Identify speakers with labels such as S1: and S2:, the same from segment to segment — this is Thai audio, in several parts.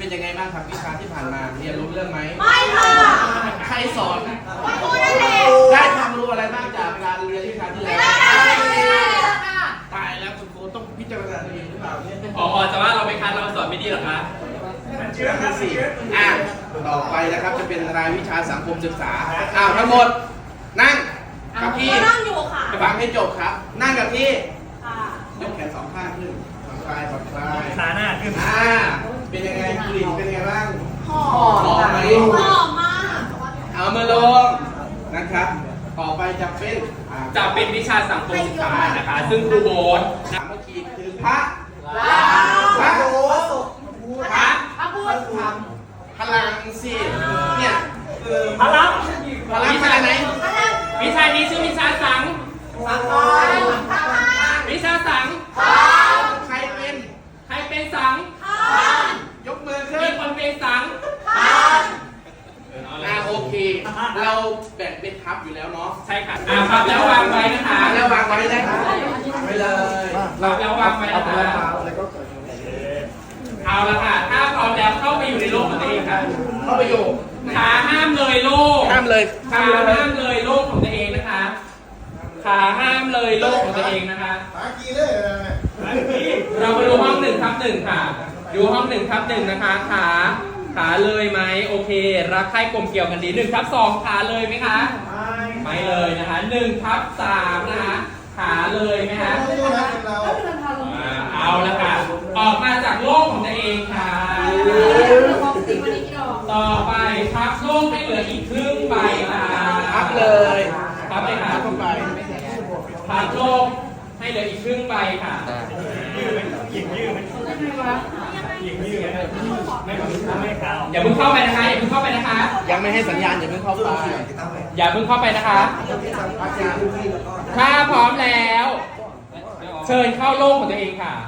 S1: ยังไงบ้างครับวิชาที่ผ่านมาเรียนรู้เรื่องไหม
S2: ไม่ค่ะ
S1: ใครสอน
S2: ครูนั่นแหละ
S1: ได้ความรู้อะไรบ้างจากการเรียนวิชาที่แล้วตายแล้วคุณครูต้องพิจารณาตัวเองหรือเปล่าเนี่ย
S3: พอจะว่าเราไม่คัดเราสอนไม่ดีหรอคะ
S1: เชื่อครับสิต่อไปนะครับจะเป็นรายวิชาสังคมศึกษาทั้งหมดนั่งกับที่
S2: นั่งอยู่ค่ะ
S1: ฟังให้จบครับนั่งกับที่ยกแขนสองข้างขึ้นผ่อนคลายผ่อนคลาย
S4: ขาหน้าขึ้น
S1: เป็นยังไงกลิ่นเป็นยังไงบ้าง
S2: หอม
S1: ไหม
S2: หอมมาก
S1: เอามือลงนะครับต่อไปจะ
S3: เป็นวิชาสังคมศึกษานะคะซึ่งครูโบ๊ท
S1: เมื่อกี้คือพระพลังสิเนี่ย
S4: พลัง
S1: วิชาไหน
S3: วิชานี้ชื่อวิชาสังวิชาสัง
S1: ใครเป็น
S3: สัง
S1: ยกมือขึ้น
S3: มีคนเป็นสัง
S1: โอเคเราแบ่งเป็นทับอยู่แล้วเนาะ
S3: ใช่ค่ะครับแล้ววางไว้นะคะ
S1: แล้ววางไว้นะครับไปเลย
S3: ครับแล้ววางไว้นะคะเอาละค่ะถ้าพร้อมแล้วเข้าไปอยู่ในโลกของตัวเองค่ะ
S1: เข้าไปอยู่
S3: ขาห้ามเลยโลก
S1: ห้ามเลย
S3: ขาห้ามเลยโลกของตัวเองนะคะขาห้ามเลยโลกของตัวเองนะคะเราไปดูห้อง1/1ค่ะดูห้อง1/1นะคะขาเลยไหมโอเครักใคร่กลมเกี่ยวกันดี1/2ขาเลยไหมคะไม่เลยนะคะ1/3นะคะขาเลยไหมคะเอาละค่ะออกมาจากโลกของตัวเองค่ะต่อไปพับโลกให้เหลืออีกครึ่งใบค่ะ
S1: พับเลย
S3: พับเลยค่ะ
S1: เข้าไป
S3: พับโลกให้เหลืออีกครึ่งใบค่ะอย่าเพิ่งเข้าไปนะคะอย่าเพิ่งเข้าไปนะคะ
S1: ยังไม่ให้สัญญาณอย่าเพิ่งเข้าไป
S3: อย่าเพิ่งเข้าไปนะคะถ้าพร้อมแล้วเชิญเข้าโลกของตัวเองค่ะ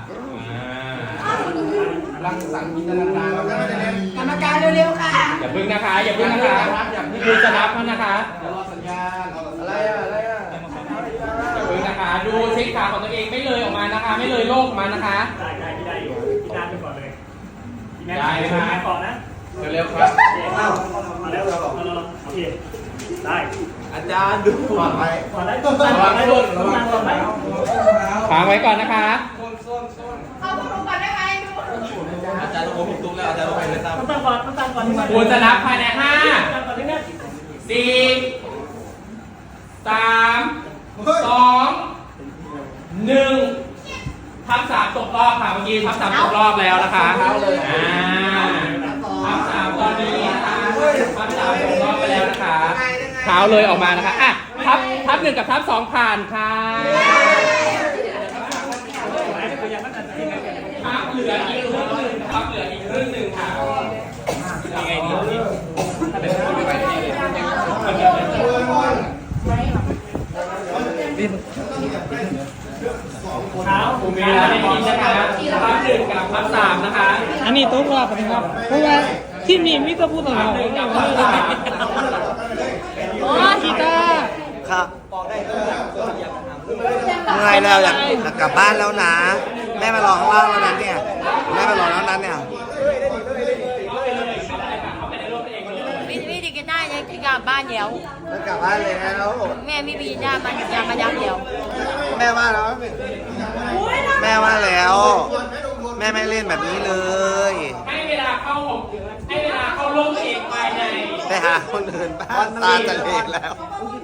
S1: รังสรรค์จินตนาการ
S2: กรรมการเร็วๆค่ะ
S3: อย่าเพิ่งนะคะอย่าเพิ่งนะคะดูจะนับนะคะ
S1: รอสัญญาณอะไร
S3: อย่าเพิ่งนะคะดูเช็คขาของตัวเองไม่เลยออกมานะคะไม่เลยโลกออกมานะคะ
S4: ได้พี่ได้อยู่พี่นับไปก่อนเลย
S3: ได้นะคะ
S4: ก่อนนะ
S1: เร็วครับ
S4: มาแล้วเราโอเคได้
S1: อาจารย์ดูก่อนไป
S4: ก่อนได้ก่อนได้ก่อนได้
S3: ค้างไว้ก่อนนะคะ
S2: เข้าประตูก่อนได้ไหม
S1: อาจารย์ต้องผมตุ้มแล้วอาจารย์ต้องไปเลยครับ
S4: ตั้งก่อน
S3: คุณจะนับภายใน5 4 3 2 1ทับ3ตกรอบค่ะเมื่อกี้ทับ3ตกรอบแล้วนะคะทับ3ตอนนี้นะคะทับ3ตกรอบไปแล้วนะคะเท้าเลยออกมานะคะทับ1กับทับ2ผ่านค่ะทับเหลืออีกครึ่งหนึ่งทับเหลืออีกครึ่งหนึ่งค่ะยังไงดีเท้าผมมีแล้วในนี้นะคะทับ1กับทับ3นะคะ
S5: อันนี้ต้องรอบนะครับเพราะว่าที่นี่มิตรพูดอะไรกีตาร์
S6: ครับไงแล้วอยากกลับบ้านแล้วนะแม่มารอข้างล่างแล้วนั้นเนี่ยแม่มารอแล้วนั้นเนี่ย
S2: วิธีกินได้ยังกลับบ้านเดี๋ยว
S6: กลับบ้านเลยแล้ว
S2: แม่ไม่มีญาติมันยามาย้ำเดี๋ยว
S6: แม่ว่าแล้วแม่ว่าแล้ว แม่ไม่เล่นแบบนี้เลย
S3: ให้เวลาเข้าโลกเองภายใน
S6: ไปหาคนอื่นบ้านตาจะเละแล้ว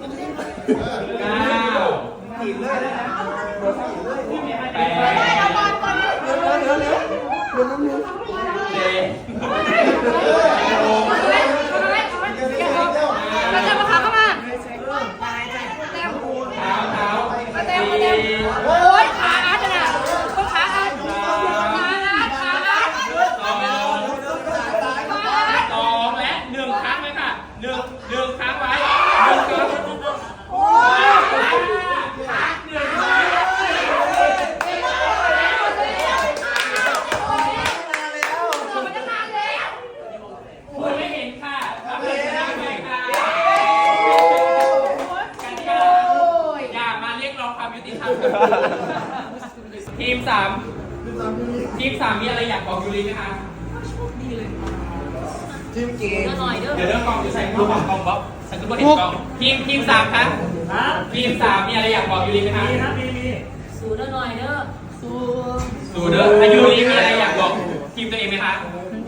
S2: มาเต็มมาเข้ามาโอ้ยขาอาร์ตนะคนขาอาร์ต
S3: 2และ1ครั้งไว้ค่ะ1ครั้งไว้โอ้ยไม่เห็นค่ะทำเลยนะเลยค่ะอย่ามาเรียกร้องความยุติธรรมทีม 3มีอะไรอยากบอกยูริไหมคะ
S6: ทีมเก่ง
S2: ก็หน่อยเด้อ
S3: เดี๋ยวเรื่องกองอยู่ใส่กล้องกองบ๊อบฉันก็ไม่เห็นกล้องทีมสามครับ
S4: ฮะ
S3: ทีมสามมีอะไรอยากบอกยูริไหมคะ
S4: มีนะมี
S2: สู้เด้อหน่อยเด้อ
S3: ดูเด้ออายุริมีอะไรอยากบอกทีมตัวเองไหมคะ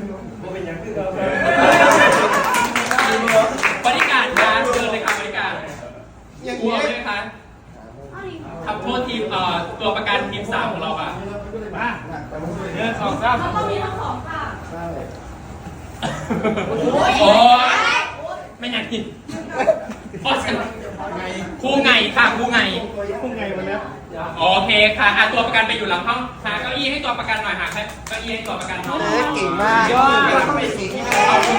S3: บริการนะเชิญเลยครับบริการกลัวไหมคะทำโทษทีมตัวประกันทีมสามของเราค่ะมาเดินสองสาม
S2: เขาต้องมีทั้งสองค่ะ
S3: โอ้ยไม่อยากกินโอ้ยครูไงค่ะครูไง
S4: พุ่งไงวันนี้
S3: โอเคค่ะตัวประกันไปอยู่หลังห้องหาเก้าอี้ให้ตัวประกันหน่อยหาเก้าอี้ให้ตัวประกันหน่อย
S6: เก่งมาก
S3: เอา